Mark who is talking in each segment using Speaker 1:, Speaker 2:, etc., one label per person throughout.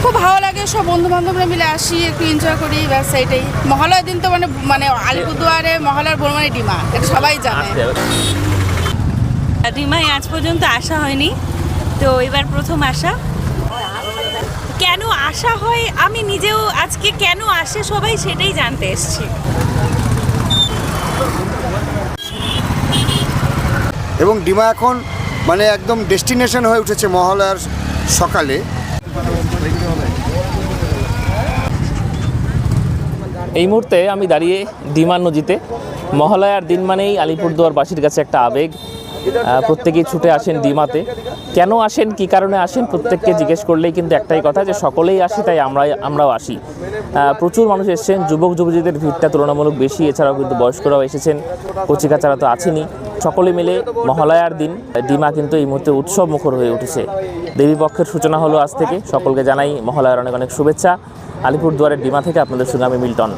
Speaker 1: খুব ভালো লাগে, সব বন্ধু বান্ধবরা মিলে আসি, একটু এনজয় করি, ব্যাস এইটাই। মহালয়ার দিন তো মানে আলিপুরদুয়ারে মহালয়ার বড় মানে ডিমা, এটা সবাই জানে।
Speaker 2: ডিমায় আজ পর্যন্ত আসা হয়নি, তো এবার প্রথম আসা। কেন আসা হয় আমি নিজেও আজকে কেন আসে সবাই সেটাই জানতে এসেছি।
Speaker 3: এবং ডিমা এখন মানে একদম ডেস্টিনেশন হয়ে উঠেছে মহালয়ার সকালে।
Speaker 4: এই মুহূর্তে আমি দাঁড়িয়ে ডিমা নদীতে। মহালয়ার দিন মানেই আলিপুরদুয়ারবাসীর কাছে একটা আবেগ। প্রত্যেকেই ছুটে আসেন ডিমাতে। কেন আসেন, কী কারণে আসেন, প্রত্যেককে জিজ্ঞেস করলেই কিন্তু একটাই কথা, যে সকলেই আসি তাই আমরাও আসি। প্রচুর মানুষ এসেছেন, যুবক যুবতীদের ভিড়টা তুলনামূলক বেশি, এছাড়াও কিন্তু বয়স্করাও এসেছেন, কচিকাচারা তো আছেনই। সকলে মিলে মহালয়ার দিন ডিমা কিন্তু এই মুহূর্তে উৎসব মুখর হয়ে উঠেছে। দেবী পক্ষের সূচনা হলো আজ থেকে। সকলকে জানাই মহালয়ার অনেক অনেক শুভেচ্ছা। আলিপুরদুয়ারের ডিমা থেকে আপনাদের সঙ্গে আমি মিল্টন।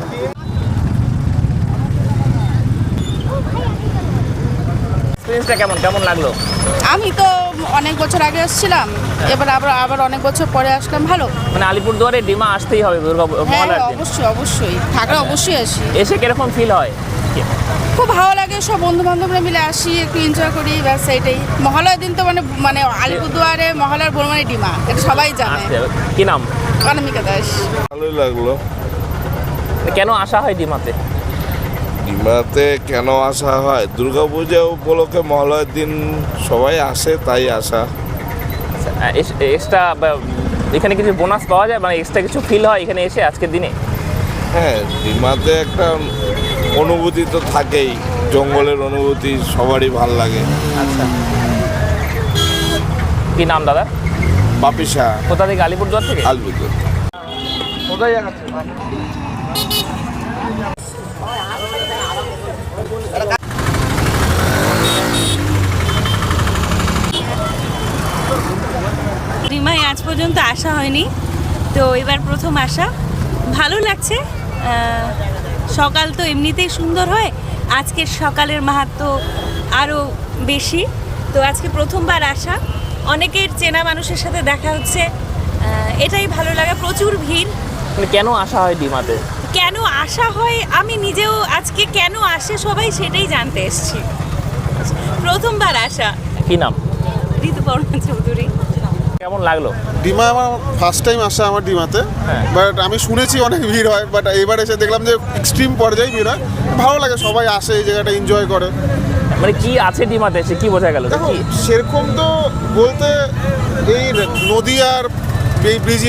Speaker 4: এক্সপেরিয়েন্সটা কেমন লাগলো?
Speaker 1: আমি তো অনেক বছর আগে আসছিলাম, এবার আবার অনেক বছর পরে আসলাম। ভালো,
Speaker 4: মানে আলিপুরদুয়ারে ডিমা আসতেই হবে
Speaker 1: হ্যাঁ
Speaker 4: মহালয়ার দিন।
Speaker 1: অবশ্যই থাকলে অবশ্যই আসি।
Speaker 4: এসে কিরকম ফিল হয়?
Speaker 1: খুব ভালো লাগে, সব বন্ধু বান্ধবরা মিলে আসি, একটু এনজয় করি, ব্যাস এইটাই। মহালয়ার দিন তো মানে আলিপুরদুয়ারে মহালয়ার বড় মানে ডিমা, এটা সবাই জানে।
Speaker 4: কি নাম?
Speaker 1: অনামিকা দাস।
Speaker 5: ভালোই লাগলো।
Speaker 4: কেন আসা হয় ডিমাতে?
Speaker 5: ডিমাতে কেন আসা হয়? দুর্গাপূজা উপলক্ষে মহালয়ার দিন সবাই আসে, তাই আসা।
Speaker 4: এক্সট্রা এখানে কিছু বোনাস পাওয়া যায়, মানে এক্সট্রা কিছু ফিল হয় এখানে এসে আজকের দিনে?
Speaker 5: হ্যাঁ, ডিমাতে একটা অনুভূতি তো থাকেই, জঙ্গলের অনুভূতি সবারই ভাল লাগে।
Speaker 4: আচ্ছা, কি নাম দাদা?
Speaker 5: বাপিসা।
Speaker 4: কোথা থেকে? আলিপুরদুয়ার থেকে?
Speaker 5: আলিপুরদুয়ার।
Speaker 3: কোথায় যাচ্ছে?
Speaker 2: ডিমায় আজ পর্যন্ত আসা হয়নি, তো এবার প্রথম আসা। ভালো লাগছে। সকাল তো এমনিতেই সুন্দর হয়, আজকের সকালের মাহাত্ম্য আরও বেশি। তো আজকে প্রথমবার আসা, অনেকের চেনা মানুষের সাথে দেখা হচ্ছে, এটাই ভালো লাগে। প্রচুর ভিড়।
Speaker 4: মানে কেন আসা হয় ডিমাতে?
Speaker 2: কেন আসা হয় আমি নিজেও আজকে কেন আসে সবাই সেটাই জানতে এসেছি। প্রথমবার আসা।
Speaker 4: কি নাম?
Speaker 2: ঋতুপর্ণা চৌধুরী।
Speaker 4: কেমন লাগলো?
Speaker 6: ডিমা আমার ফার্স্ট টাইম আসা আমার ডিমাতে, বাট আমি শুনেছি অনেক ভিড় হয়, বাট এবার এসে দেখলাম যে এক্সট্রিম পর্যায়ে ভিড় হয়। ভালো লাগে, সবাই আসে এই জায়গাটা এনজয় করে।
Speaker 4: মানে কি আছে ডিমাতে, সে কি বোঝা গেল?
Speaker 6: দেখো সেরকম তো বলতে এই নদী আর এই ব্রিজ